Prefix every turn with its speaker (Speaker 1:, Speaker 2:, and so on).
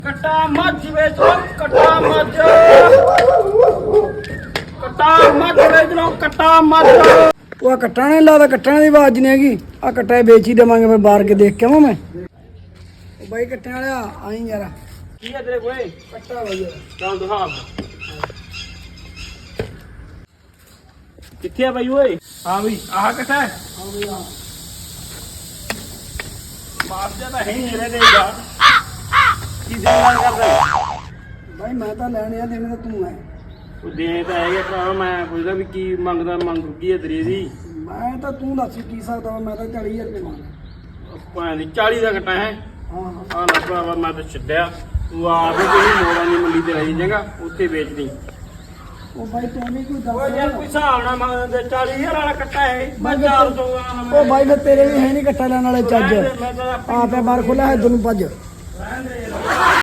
Speaker 1: कट्टा मत बेच लो, कट्टा मत बेच लो, कट्टा मत।
Speaker 2: ਉਹ ਕੱਟਾ ਨਹੀਂ ਲਾਦਾ, ਕੱਟਣ ਦੀ ਆਵਾਜ਼ ਨਹੀਂ ਹੈਗੀ। ਆ ਕੱਟਾ ਵੇਚ ਹੀ ਦੇਵਾਂਗੇ ਫਿਰ ਬਾਹਰ ਕੇ ਦੇਖ ਕੇ ਆਵਾਂ ਮੈਂ। ਉਹ ਬਾਈ ਕੱਟਣ ਵਾਲਿਆ ਆਈ ਯਾਰ।
Speaker 1: ਕੀ ਹੈ ਤੇਰੇ ਕੋਲੇ?
Speaker 2: ਕੱਟਾ ਬਾਈ ਯਾਰ।
Speaker 1: ਚੱਲ ਦਿਖਾ। ਕਿੱਥੇ ਆ ਬਾਈ ਓਏ? ਹਾਂ ਬਈ ਆਹ ਕੱਟਾ ਹੈ।
Speaker 2: ਹਾਂ ਬਈ ਹਾਂ।
Speaker 1: ਮਾਰ ਜਾ ਤਾਂ ਹੈ ਨਹੀਂ ਦੇਗਾ। ਕੀ ਦੇਣਾ ਕਰਦਾ?
Speaker 2: ਬਾਈ ਮੈਂ ਤਾਂ ਲੈਣੇ ਆ, ਦੇਣੇ ਤਾਂ ਤੂੰ ਹੈ।
Speaker 1: ਉਹ ਦੇ ਤਾਂ ਹੈਗੇ ਭਰਾ, ਮੈਂ ਪੁੱਛਦਾ ਵੀ ਕੀ ਮੰਗਦਾ, ਮੰਗ ਕੀ ਹੈ ਤੇਰੀ ਦੀ?
Speaker 2: ਮੈਂ ਤਾਂ ਤੂੰ ਦੱਸ ਕੀ ਸਕਦਾ ਵਾ, ਮੈਂ ਤਾਂ 40,000 ਰੁਪਏ ਮੰਗਦਾ।
Speaker 1: ਭਾਂ ਦੀ 40 ਦਾ ਕੱਟਾ ਹੈ।
Speaker 2: ਹਾਂ ਹਾਂ।
Speaker 1: ਆ ਨਾ ਭਰਾਵਾ ਮੈਂ ਤਾਂ ਛੱਡਿਆ, ਤੂੰ ਆਪ ਹੀ ਕੋਈ ਮੋੜਾਂ ਦੀ ਮੰਡੀ ਤੇ ਰਹੀ ਜਾਏਗਾ, ਉੱਥੇ ਵੇਚਦੀ।
Speaker 2: ਉਹ ਬਾਈ ਤੂੰ ਵੀ ਕੋਈ
Speaker 1: ਉਹ ਯਾਰ
Speaker 2: ਦੱਸ।
Speaker 1: ਕੋਈ ਹਿਸਾਬ ਨਾ ਮੰਗਦੇ, 40,000 ਵਾਲਾ ਕੱਟਾ ਹੈ। ਮੈਂ 400 ਵਾਲਾ
Speaker 2: ਉਹ ਬਾਈ ਫਿਰ ਤੇਰੇ ਵੀ ਹੈ ਨਹੀਂ ਕੱਟਾ ਲੈਣ ਵਾਲੇ ਚੱਜ।
Speaker 1: ਮੈਂ ਤਾਂ
Speaker 2: ਆਪੇ ਬਾਹਰ ਖੋਲਿਆ ਹੈ ਤੈਨੂੰ ਭੱਜ।
Speaker 1: ਰਹਿਣ ਦੇ ਯਾਰ।